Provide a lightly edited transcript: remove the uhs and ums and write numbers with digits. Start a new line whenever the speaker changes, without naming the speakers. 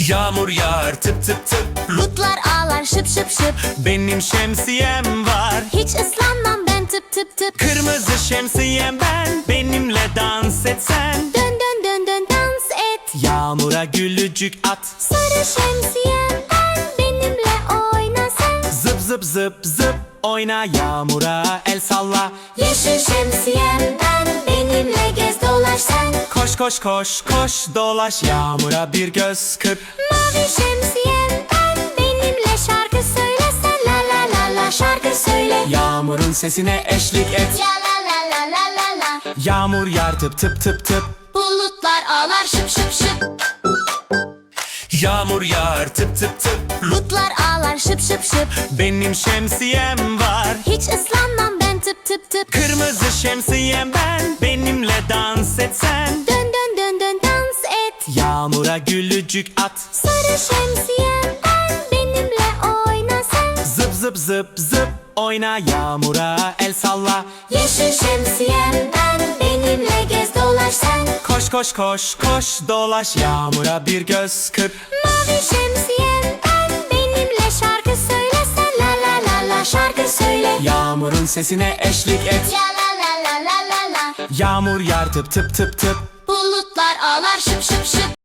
Yağmur yağar tıp tıp tıp.
Bulutlar ağlar şıp şıp şıp.
Benim şemsiyem var,
Hiç ıslanmam ben tıp tıp tıp.
kırmızı şemsiyem ben. Benimle dans etsen.
Dön dön dön dön dans et.
Yağmura gülücük at.
Sarı şemsiyem ben, benimle oyna sen.
Zıp zıp zıp zıp oyna, yağmura el salla.
Yeşil şemsiyem ben, benimle gez dolaş sen.
Koş koş koş koş dolaş, yağmura bir göz kırp.
Mavi şemsiyem ben, benimle şarkı söyle sen. La la la la şarkı söyle.
Yağmurun sesine eşlik et.
La la la la la la la.
Yağmur yağar tıp tıp tıp tıp.
Bulutlar ağlar şıp şıp şıp.
Yağmur yağar tıp tıp tıp.
Bulutlar ağlar şıp şıp şıp.
Benim şemsiyem var,
Hiç ıslanmam ben tıp tıp tıp.
kırmızı şemsiyem ben. Benimle dans etsen.
Dön dön dön dön dans et.
Yağmura gülücük at.
Sarı şemsiyem ben, benimle oyna sen.
Zıp zıp zıp zıp oyna, yağmura el salla.
Yeşil şemsiyem ben, benimle gez dolaş sen.
Koş koş koş koş dolaş, yağmura bir göz kırp.
Mavi şemsiyem ben, benimle şarkı söyle sen. La la la la şarkı söyle.
Yağmurun sesine eşlik et.
La la la la la la la.
Yağmur yağar tıp tıp tıp tıp.
Bulutlar ağlar şıp şıp şıp.